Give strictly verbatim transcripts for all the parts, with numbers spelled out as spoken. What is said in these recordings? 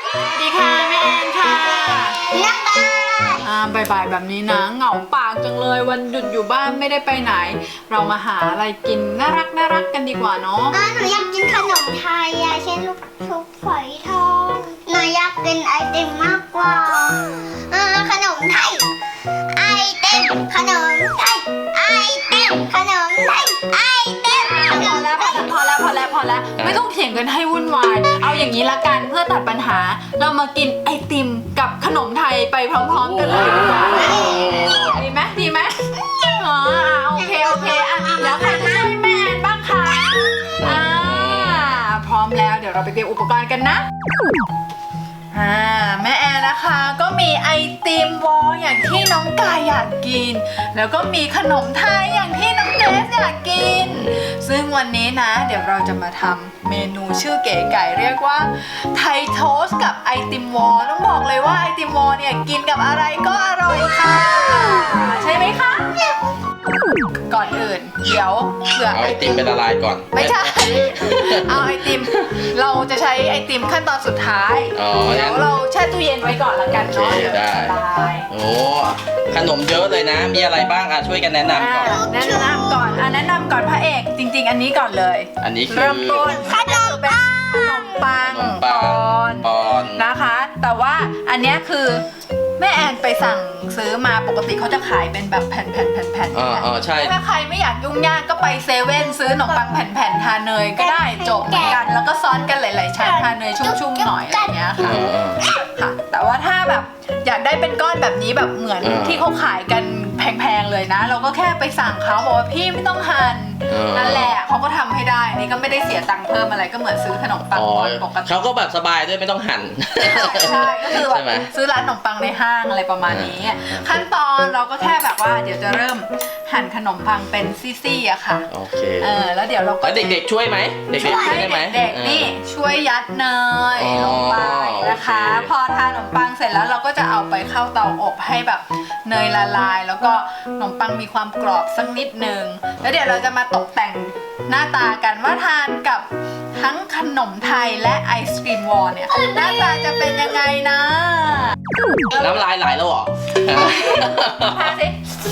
สวัสดีค่ะแม่แอนค่ะนักบาอ่าบ่ายๆแบบนี้นะเหงาปากจังเลยวันหยุดอยู่บ้านไม่ได้ไปไหน เรามาหาอะไรกินน่ารักน่ารักกันดีกว่าเนาะอ่าหนูอยากกินขนมไทยอะเช่นลูกชุบฝอยทองหนูอยากกินไอติมมากกว่าอ่าขนมไทยไอติมขนมไทยไอติมขนมไทยไอติมขนพอมแล้วไทยพอแล้วพอแล้วพอแล้วไม่ต้องเถียงกันให้วุ่นวายเอาอย่างนี้ละกันเพื่อตัดปัญหา เรามากินไอติมกับขนมไทยไปพร้อมๆกันเลยดีกว่าดีไหมดีไหมอ๋อโอเคโอเคอ่ะแล้วใครจะช่วยแม่แอนบ้างคะอ่าพร้อมแล้วเดี๋ยวเราไปเตรียมอุปกรณ์กันนะอ่าแม่แอนนะคะก็มีไอติมวอลอย่างที่น้องกายอยากกินแล้วก็มีขนมไทยอย่างที่น้องเกรซอยากกินซึ่งวันนี้นะเดี๋ยวเราจะมาทำเมนูชื่อเก๋ไก่เรียกว่าไทยโทสต์กับไอติมวอลต้องบอกเลยว่าไอติมวอลเนี่ยกินกับอะไรก็อร่อยค่ะใช่ไหมคะก่อนอื่นเดี๋ยวเผื่อเอาไอติมเป็นละลายก่อนไม่ใช่ เอาไอติม เราจะใช้ไอติมขั้นตอนสุดท้ายอ๋อเดี๋ยวเราแช่ตู้เย็นไว้ก่อนละกันเนาะโอเคเดี๋ยวได้จะละลายโอ้ขนมเยอะเลยนะ มีอะไรบ้างอ่ะช่วยกันแนะนำก่อนอ่าแนะนำก่อนอ่ะแนะนำก่อนพระเอกจริง ๆ อันนี้ก่อนเลยอันนี้คือเริ่มต้นขนมปังขนมปังขนมปังปอนปอนนะคะ แต่ว่าอันเนี้ยคือแม่แอนไปสั่งซื้อมาปกติเขาจะขายเป็นแบบแผ่นๆๆๆอ๋ออ๋อใช่ถ้าใครไม่อยากยุ่งยากก็ไปเซเว่นซื้อขนมปังแผ่นๆทาเนยก็ได้จบเหมือนกันแล้วก็ซ้อนกันหลายๆชั้นทาเนยชุ่มๆหน่อยอะไรอย่างเงี้ยเอค่ะอเออค่ะแต่ว่าถ้าแบบอยากได้เป็นก้อนแบบนี้แบบเหมือนเออที่เขาขายกันแพงๆเลยนะ เราก็แค่ไปสั่งเขาบอกว่าพี่ไม่ต้องหั่นเออนั่นแหละเขาก็ทำให้ได้นี่ก็ไม่ได้เสียตังค์เพิ่มอะไรก็เหมือนซื้อขนมปังอ๋อก้อนปกติเขาก็แบบสบายด้วยไม่ต้องหั่นใช่ก็คือแบใช่ไหมบซื้อร้านขนมปังในห้างอะไรประมาณนี้ ขั้นตอนเราก็แค่แบบว่าเดี๋ยวจะเริ่มหั่นขนมปังเป็นซี่ๆอะค่ะโอเคเออแล้วเดี๋ยวเราก็แล้วเด็กๆช่วยไหมเด็กๆช่วยได้ไหมเด็กๆนี่ช่วยยัดเนยอ๋อลงไปนะคะโอเคพอทานขนมปังเสร็จแล้วเราก็จะเอาไปเข้าเตาอบให้แบบเนยละลาย แล้วก็ขนมปังมีความกรอบสักนิดนึงแล้วเดี๋ยวเราจะมาตกแต่งหน้าตากันว่าทานกับทั้งขนมไทยและไอศกรีมวอลเนี่ยหน้าตาจะเป็นยังไงนะน้ำลายไหลแล้วเหรอทานสิ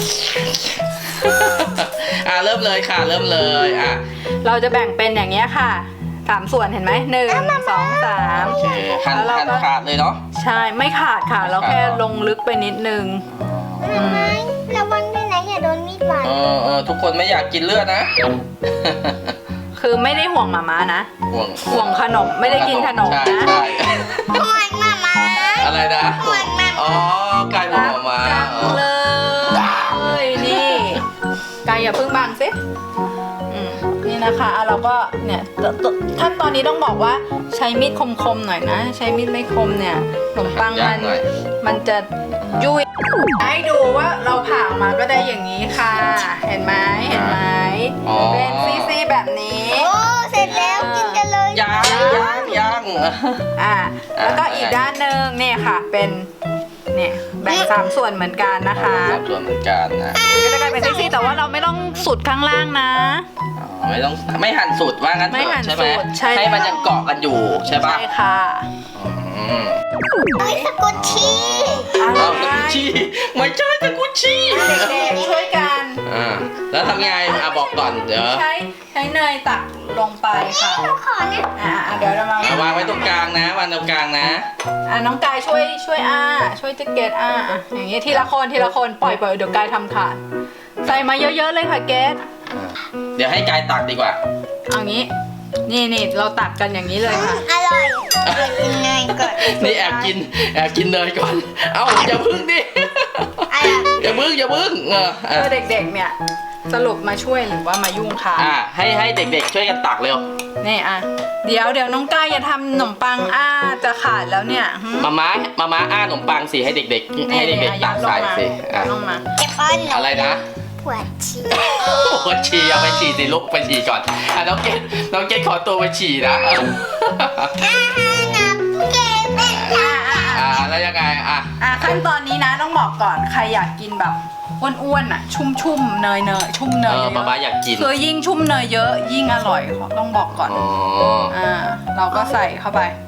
อ่ะเริ่มเลยค่ะเริ่มเลยอ่ะเราจะแบ่งเป็นอย่างเงี้ยค่ะสามส่วนเห็นไหมหนึ่งสองสามโอเคหั่นแล้วเราหั่นก็ขาดเลยเนาะใช่ไม่ขาดค่ะ เราแค่ลงลึกไปนิดนึงทำไมระวังด้วยนะอย่าโดนมีดบาดเออเออทุกคนไม่อยากกินเลือดนะคือไม่ได้ห่วงหมาม้านะห่วงห่วงขนมไม่ได้กินขนมใช่นะใช่ห่วงมามาอะไรนะห่วงมาอ๋อกลายเป็นหมามาจังอ๋อเลยนี่กายอย่าเพิ่งบังสิอืมนี่นะคะอ่ะเราก็เนี่ยตตขั้นตอนนี้ต้องบอกว่าใช้มีดคมๆหน่อยนะ ใช้มีดไม่คมเนี่ยขนมปังยามักนหน่อยมันจะยุ่ยให้ดูว่าเราผ่าออกมาก็ได้อย่างนี้ค่ะ เห็นไหมเห็นไหมอ๋อเป็นซี่ๆแบบนี้โอ้เสร็จแล้วกินกันเลยยังยังยังอ่าแล้วก็อีกด้านหนึ่งเนี่ยค่ะเป็นเนี่ยแบ่งสามส่วนเหมือนกันนะคะสามส่วนเหมือนกันนะก็จะกลายเป็นซี่ๆแต่ว่าเราไม่ต้องสุดข้างล่างนะอ๋อไม่ต้องไม่หั่นสุดว่างั้นเถไม่อะหั่นใช่ไหมสุดใช่ให้มันยังเกาะกันอยู่ใช่ปะใช่ค่ะอืมเฮ้ยสกุชชี่อะไรเอาสกุชชี่ไม่ใช่สกุชชี่เด็กๆช่วยกันอ่าแล้วทำไงอ่ะบอกก่อนเดี๋ยวใช้ใช้เนยตักลงไปค่ะขอนะอ่าอ่าเดี๋ยวเรามาเอาวางไว้ตรงกลางนะวางตรงกลางนะอ่าน้องกายช่วยช่วยอ้าช่วยเจ๊เกตอ้าอ่ะอย่างนี้ทีละคนทีละคนปล่อยปล่อยเดี๋ยวกายทำขาดใส่มาเยอะๆเลยค่ะเกตอ่าเดี๋ยวให้กายตักดีกว่าเอางี้นี่นี่เราตักกันอย่างนี้เลยค่ะอร่อยเดี๋ยวกินเนยก่อนนี่แอบกินแอบกินเนยก่อน เอ้าอย่าพึ่งดิอะไรอย่าพึ่งอย่าพึ่งเอออ่ะเพื่อเด็กๆเนี่ยสรุปมาช่วยหรือว่ามายุ่งคะอ่ะให้ให้เด็กๆช่วยกันตักเร็วนี่อ่ะเดี๋ยวเดี๋ยวน้องกายอย่าทำขนมปังอ้าจะขาดแล้วเนี่ยหึมาม้ามาม้าอ้าขนมปังสิให้เด็กๆ ให้เด็กๆตักใส่สิอ่ะลงมาเก็บป้อนหนูอะไรนะปวดฉี่โอ้ฉี่เอาไปฉี่สิลุกไปฉี่ก่อนอ่ะน้องเกดน้องเกดขอตัวไปฉี่นะอาหารนับเก็บเป็นอ่ะอ่ะอ่าแล้วยังไงอ่ะอ่ะขั้นตอนนี้นะต้องบอกก่อนใครอยากกินแบบอ้วนๆอ่ะ ชุ่มๆเนยเนยชุ่มเนเอย อเยมาม้าอะอยากกินๆคือยิ่งชุ่มเนยเยอะยิ่งอร่อยขอต้องบอกก่อนอ๋ออ่าเราก็ใส่เข้าไป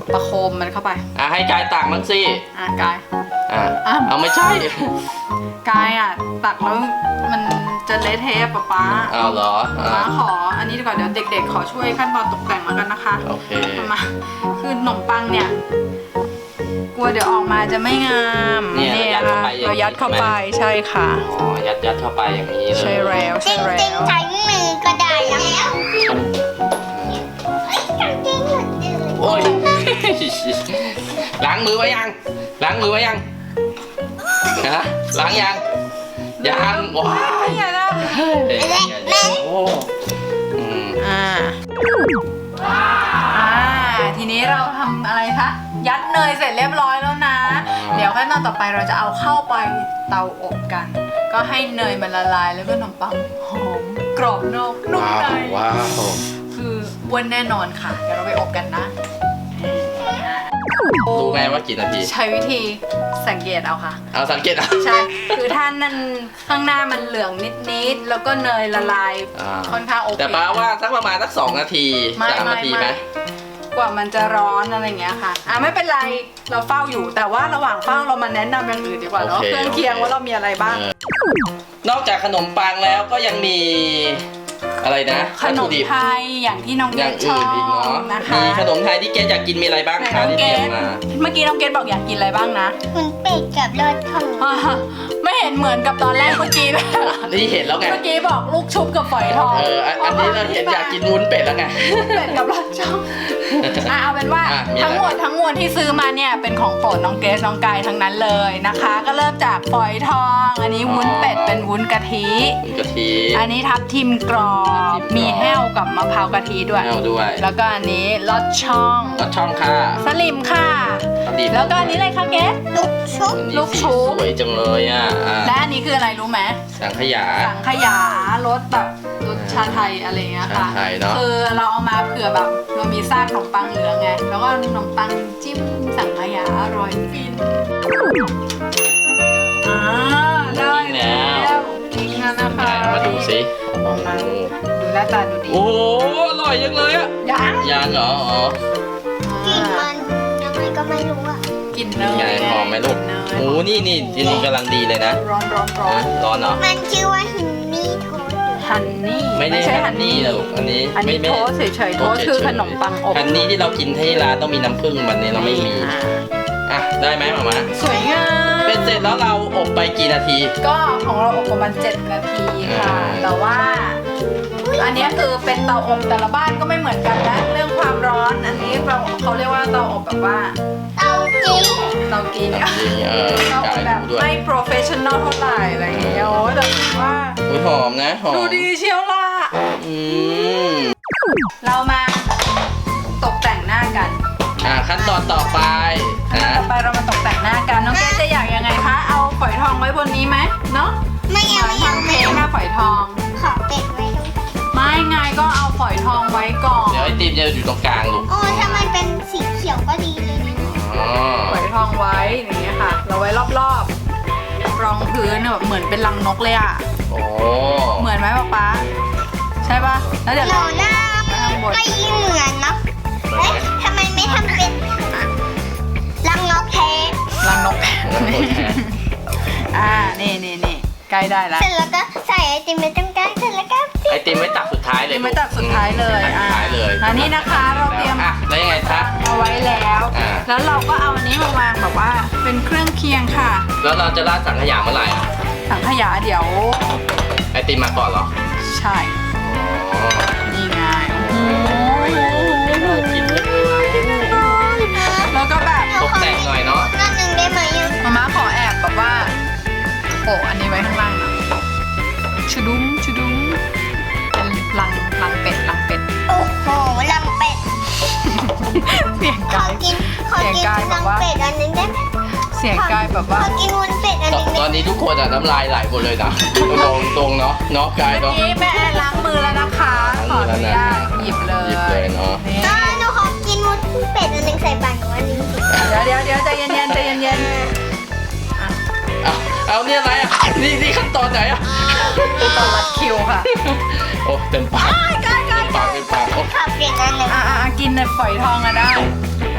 ประโคมมันเข้าไปอ่ะให้กายตักมั้งสิอ่ะกายอ่ะอ่ะเอาไม่ใช่กายอ่ะตักแล้วมันจะเละเทะป๊าป๊าเอาเหรอป๊าอ่ะขออันนี้ดีกว่าเดี๋ยวเด็กๆขอช่วยขั้นตอนตกแต่งแล้วกันนะคะโอเคมาคือขนมปังเนี่ยกลัวเดี๋ยวออกมาจะไม่งามเนี่ยเรายัดเข้าไปอย่างนี้เรายัดเข้าไปใช่ค่ะอ๋อยัดยัดเข้าไปอย่างนี้เลยใช่แล้วจใช่ริงแล้จริงวใช้มือก็ได้แล้วเอ้ยจริงจริงหลุดเลยโอ้ย ล้างมือไว้ยัง ล้างมือไว้ยังฮะล้างยัง ยังว้ายเนี่ยนะเฮ้ยโอ้อืมอ่าอ่าทีนี้เราทำอะไรคะยัดเนยเสร็จเรียบร้อยแล้วนะ เดี๋ยวขั้นตอนต่อไปเราจะเอาเข้าไปเตาอบกัน ก็ให้เนยมันละลายแล้วก็ขนมปังหอมกรอบนอกนุ่มว้าในวว้าวคืออ้วนแน่นอนค่ะ เดี๋ยวเราไปอบกันนะรู้ไหมว่ากี่นาทีใช้วิธีสังเกตเอาค่ะเอาสังเกตเอาใช่ คือถ้านั่นข้างหน้ามันเหลืองนิดๆ แล้วก็เนยละลายอ่าค่อนข้างโอเคแต่ป้าว่าสักประมาณสักสองนาทีไม่สามไม่นาทีไม่ไหมกว่ามันจะร้อนอะไรอย่างเงี้ยค่ะ อ่ะไม่เป็นไร เราเฝ้าอยู่ แต่ว่าระหว่างเฝ้าเรามาแนะนำอย่างอื่นดีกว่าเนาะ เครื่องเคียงว่าเรามีอะไรบ้างเออนอกจากขนมปังแล้วก็ยังมีอะไรนะขวัตนถุมดิบไทยอย่างที่น้องอเกย่างดชออื่นอีกเนาะบนะคะมีขนมไทยที่เกดอยากกินมีอะไรบ้างไหนคะน้องที่เกเตรียดมมาเมื่อกี้น้องเกดบอกอยากกินอะไรบ้างนะคุณเป็ดกับรสของอ่าไม่เห็นเหมือนกับตอนแรกเมื่อกี้เลยนี่เห็นแล้วไงเมื่อกี้บอกลูกชุบกับฝอยทองเอออันอันนี้เราเห็นอยากกินวุ้นเป็ดแล้วไงเป็ดกับรสช่องอ่ะเอาเป็นว่าอ่ะมีอะไรทั้งหมดทั้งมวลที่ซื้อมาเนี่ยเป็นของโปรดน้องเกรซน้องกายทั้งนั้นเลยนะคะ ก็เริ่มจากฝอยทอง อันนี้วุ้นเป็ดเป็นวุ้นกะทิวุ้นกะทิอันนี้ทับทิมกรอทับบทิมกรอบมีแห้วกับมะพร้าวกะทิด้วยแห้วด้วยแล้วก็อันนี้ลอดช่องรสช่องค่ะสลิมค่ะสลิมแล้วก็อันนี้เลยค่ะเกรซลูกชุบอันนี้ลูกชุสีบสวยจังเลยอ่ะอ่ะและอันนี้คืออะไรรู้ไหมสังขยาสังขยารสแบบรสชาไทยอะไรอย่างเงี้ยค่ะชาไทยเนอะคือเราเอามาเผื่อแบบเรามีซากขนมปังเหลืองไง แล้วก็ขนมปังจิ้มสังขยาอร่อยฟินอ่าได้แล้วจริงนะนะคะไหนเอามาดูสิออกมาดูหน้าตาดูดีโอ้โหอร่อยจังเลยอ่ะยังยังเหรออ๋อกลิ่นมันยังไงก็ไม่รู้อ่ะกินเนยไงหอมไหมลูกเนยโอ้นี่นี่ที่นี่กำลังดีเลยนะร้อนร้อนร้อนร้อนเหรอมันชื่อว่าฮินนี่โทสต์ฮันนี่ไม่ได้ใช่ฮันนี่นะลูกอันนี้อันนี้ไม่โทไม่สเฉยๆโทสคือขนมปังอบฮันนี่ที่เรากินที่ร้านต้องมีน้ำผึ้งวันนี้เราไม่มีอ่าอ่ะได้ไหมหมามาสวยงามเป็นเสร็จแล้วเราอบไปกี่นาทีก็ของเราอบประมาณเจ็ดนาทีค่ะอืมแต่ว่า อันนี้คือเป็นเตาอบแต่ละบ้านก็ไม่เหมือนกันนะเรื่องความร้อนอันนี้เราเขาเรียกว่าเตาอบแบบว่าเตาจีนเตากินจริงเออเตาอจ่าบยแบบรู้ด้วยไม่ professional เท่าไหร่อะไรอย่างเงี้ยโอ้ยแต่ว่าอุ้ยหอมนะหอมดูดีเชียวล่ะอืมเรามาตกแต่งหน้ากันอ่ะขั้นตอนต่อไปขั้นตอนนะต่อไปเรามาตกแต่งหน้ากันน้องเกรซจะอยากยังไงคะเอาฝอยทองไว้บนนี้ไหมเนาะไม่เหเอามือนไม่เอาทำไม่เค้กเอาหน้าฝอยทองขอเป็ดไว้ตรงไม่ไงก็เอาฝอยทองไว้ก่อนเดี๋ยวไอติมจะอยู่ตรงกลางลูกโอ้ถ้ามันเป็นสีเขียวก็ดีเลยนะอ๋อฝอยทองไว้อย่างเงี้ยค่ะ เราไว้รอบๆ รองพื้นแบบเหมือนเป็นรังนกเลยอ่ะโอ้เหมือนไหมป๊าป๊าใช่ปะแล้วเดี๋ยวหนูเราหน้าไม่เหมือนนะเอ๊ะทำไมไม่ทำเป็นรังนกแท้รังนก อ่า นี่นี่นี่ใกล้ได้แล้วเสร็จแล้วก็ใส่ไอติมไปตรงกลางเสร็จแล้วก็ไอติมไว้ตักสุดท้ายเลยไม่ตัดสุดท้ายเลยตักสุอ่าดท้ายเลยอันนี้นะคะเราเตรียมอ่ะแล้วยังไงคะเอาไว้แล้วอ่าแล้วเราก็เอาอันนี้มาวางแบบว่าเป็นเครื่องเคียงค่ะแล้วเราจะราดสังขยาเมื่อไหร่อ่ะสังขยาเดี๋ยวไอติมมาก่อนเหรอใช่อ๋อนี่ไงโอ้ยน่ากินจังเลยแล้วก็แบบตกแต่งหน่อยเนาะนั่นหนึ่งได้ไหมอ่ะมาม่าขอแอบแบบว่าโปะอันนี้ไว้ข้างล่างหนะชุดุ้มชุดุ้มเป็นลังลังเป็ดลังเป็ดโอ้โหรังเป็ดเสียงขอกายกินขอเสียงกินกายแบรับงว่าเป็ดอันนึงได้ไหมเสียงกายแบบขว่าอกินวุ้นเป็ดอันตนึงตอนได้ไหมนี้ทุกคนอ่ะน้ำลายไหลหมดเลยนะตรงตรงเนาะเนาะกายเมื่อเนาะกี้แม่แอนล้างมือแล้วนะคะ ขออนุญาตหยิบเลยหยิบเลยเนาะนี่อ่าหนูขอกินวุ้นเป็ดอันนึงใส่ปากหนูอันนึงสิเดี๋ยวเดี๋ยวเดี๋ยวใจเย็นๆใจเย็นเอาเอาเนี่ยอะไรอ่ะนี่นี่ขั้นตอนไหนอ่ะๆต่อรัดคิวค่ะโอ้เต็มปากกายกายเต็มปากเต็มปากโอ้ขอเปลี่ยนอันหนึ่งอ่ะอ่ะอ่ะกินในฝอยทองอะได้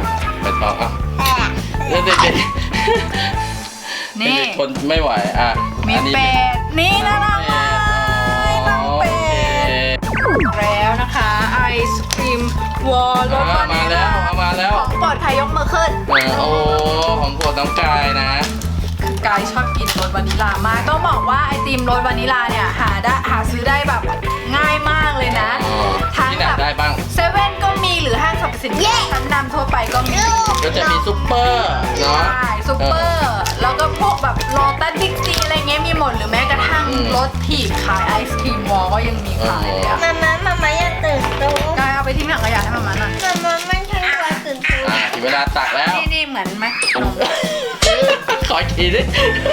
ไปต่ออ่ะแอะเด็กเด็กนี่เด็กทนไม่ไหวอ่ะมีอันนี้เป็ดนี่น่ารักมากน้องเป็ดแล้วนะคะไอศครีมวอลรสวานิมาลแล้วลาเอามาแล้วของโปรดใครยกมือขึ้นเออโอ้ของโปรดน้องกายนะกายชอบกินรสวานิลลามากต้องบอกว่าไอติมรสวานิลลาเนี่ยหาได้หาซื้อได้แบบง่ายมากเลยนะอ๋อทั้งที่ไหนแบบได้บ้างเซเว่นก็มีหรือห้างสรรพสินค้าชั้นนำทั่วไปก็มีก็จะมีซุปเปอร์เนาะใช่ซุปเปอร์ แล้วก็พวกแบบโลตัสบิ๊กซีอะไรเงี้ยมีหมดหรือแม้กระทั่งรถถีบขายไอศครีมวอลก็ยังมีขายเลยอะมาม่ามาม่าอย่าตื่นตูมกายเอาไปทิ้งถังขยะให้มามันหน่อยมาม่าไม่ใช่ว่าตื่นตูมอ่ะถึงเวลาตักแล้วนี่นี่เหมือนไหมนมขออีกทีดิ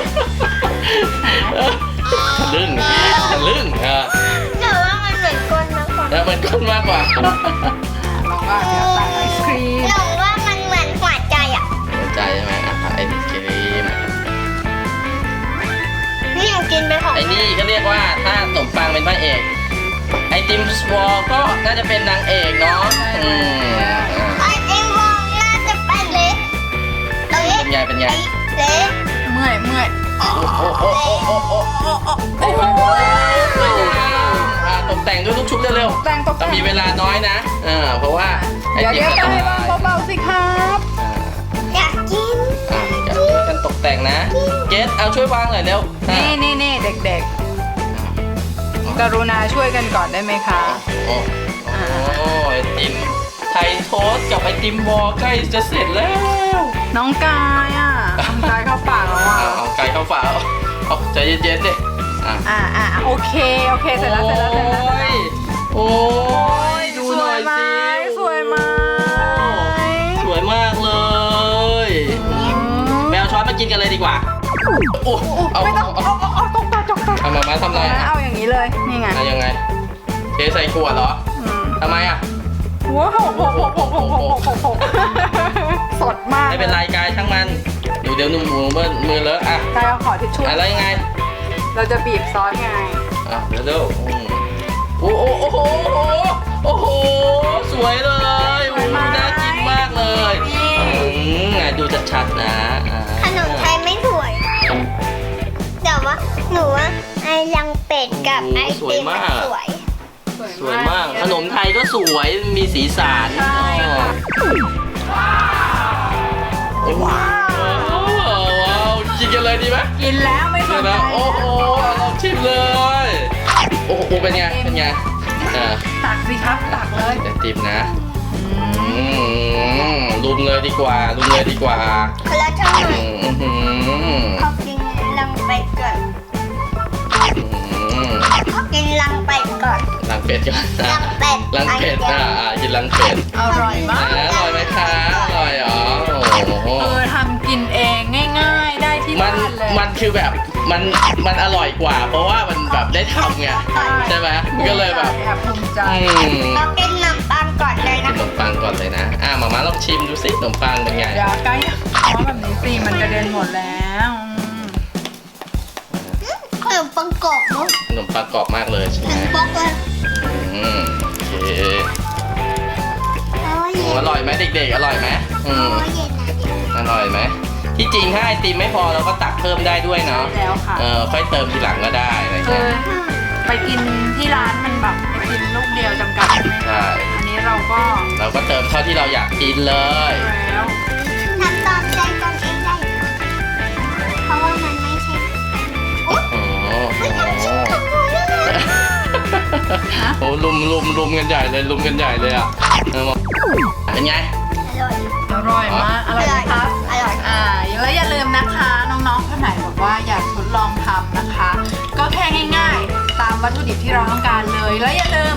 ทะลึ่งทะลึ่งเออแต่ว่ามันเหมือนก้นมากกว่าแล้วมันก้นมากกว่าลองว่าเดี๋ยวตักไอศครีมหนูว่ามันเหมือนหัวใจอ่ะหัวใจใช่ไหมอ่ะไอศครีมนี่หนูกินไปของไอ้นี่ก็เรียกว่าถ้าสมปังเป็นพระเอกไอติมสวอลก็น่าจะเป็นนางเอกเนาะอืมอ่ะไอติมวองน่าจะเป็นเล็กเล็กเป็นไงเป็นไงเล็กเมื่อยเมื่อยโอ้โหโอ้โหโอ้โหโอ้โอ้โอ้โหสวยงามอ่ะตกแต่งด้วยลูกชุบเร็วแต่งตกๆแต่ต้องงมีเวลาน้อยนะเออเพราะว่าไอเดี๋ยวติมเดี๋ยวก็กายต้องวางเบาๆสิครับอ่าอยากกินอ่ะอยากช่วยกันตกแต่งนะ เกสเอาช่วยวางหน่อยเร็วอ่ะนี่นี่นี่เด็กๆ กรุณาช่วยกันก่อนได้ไหมคะโอ้โอ้ไอติมไทยโทสต์กับไอติมวอลใกล้จะเสร็จแล้วน้องกายอ่ะน้องกายเข้าปากแล้วอ่ะเอาเอาไก่เข้าฝาเอาเอาใจเย็นๆดิอ่ะอ่าอ่าโอเคโอเคเสร็จแล้วเสร็จแล้วเสร็จแล้วโอ้ยดูสหน่วอย ยไหมสิสวยไหมสวยมากเลยแมวช้อนมากินกันเลยดีกว่าโอ้เอาไม่ต้องเอาเอาเอาเอาตกตาตกตาเอามามาทำอะไรเอาอ่ะเอาอย่างนี้เลยนี่ไงเอายังไงเทใส่ขวดเหรออืมทำไมอ่ะว้าวโหโหโหโหโหโหโหโหสดมากไม่เป็นไรกายช่างมันเดี๋ยวเดี๋ยวนุ่มมือมือมือเลอะอ่ะกายเอาขอทิชชู่อะไรยังไงเราจะบีบซอสไงอ่ะเดี๋ยวเดี๋ยวอืมโอ้โหโอ้โหโอ้โหสวยเลยโอ้โหน่ากินมากเลยอืมไงดูชัดๆนะอ่าขนมไทยไม่สวย แต่ว่าหนูว่าไอรังเป็ดกับไอติมมันสวยสวยมากขนมไทยก็สวยมีสีสันใช่ค่ะว้าวว้าวกินกันเลยดีไหมกินแล้วไม่สเดี๋ยนวใจนะโอ้โหลองชิมเลยโอ้โหเป็นไงเป็นไงอ่าตักสิครับตักเลยไอติมนะอืมลุมเลยดีกว่าลุมเลยดีกว่าคนละช่องหน่อือยมอืมขอกินรังเป็ดก่อนอืมขอกินรังเป็ดก่อนลังเป็ดก่อนนะรังเป็ดลังเป็ดอ่าอ่ากินลังเป็ดอร่อยมากอ่าอร่อยไหมคะอร่อยเหรอโอ้โหเออทำกินเองง่ายๆ ได้ที่มันบ้านเลยมันคือแบบมันมันอร่อยกว่า เพราะว่ามันแบบได้ทำไงใช่ไหมมันก็เลยแบบแอบภูมิใจอืมขอกินขนมปังก่อนเลยกินะนขนมปังก่อนเลยนะอ่ะมาม่าลองชิมดูสิขนมปังเป็นไงอย่าใกล้เพราะแบบนี้สิมันกระเด็นหมดแล้วอืมขนมปังกรอบมั้งขนมปังกรอบมากเลยใช่ไหหมนึ่งบล็อกเลยอืมโอเคโอ้ยโอ้อร่อยไหมเด็กๆอร่อยไหมอืมโอ้ยเย็นนะเย็นอร่อยไหมที่จริงถ้าไอติมไม่พอเราก็ตักเพิ่มได้ด้วยเนาะแล้วค่ะเออค่อยเติมทีหลังก็ได้อะไรคืเงี้อย ไปกินที่ร้านมันแบบไปกินลูกเดียวจำกัดใช่ไหมใช่อันนี้เราก็เราก็เติมเท่าที่เราอยากกินเลยแล้วทำตามใจตนเองได้เพราะว่ามันไม่ใช่โอ้โหไม่ทำชิ้นของหนูเลยโอ้ลุมลุมลุมกันใหญ่เลยลุมกันใหญ่เลยอ่ะเออเป็นไงอร่อยอร่อยมากอร่อยไหมครับอร่อยอ่าแล้วอย่าลืมนะคะน้องๆคนไหนบอกว่าอยากทดลองทำนะคะ ก็แค่ง่ายๆ ตามวัตถุดิบที่เราต้องการเลย แล้วอย่าลืม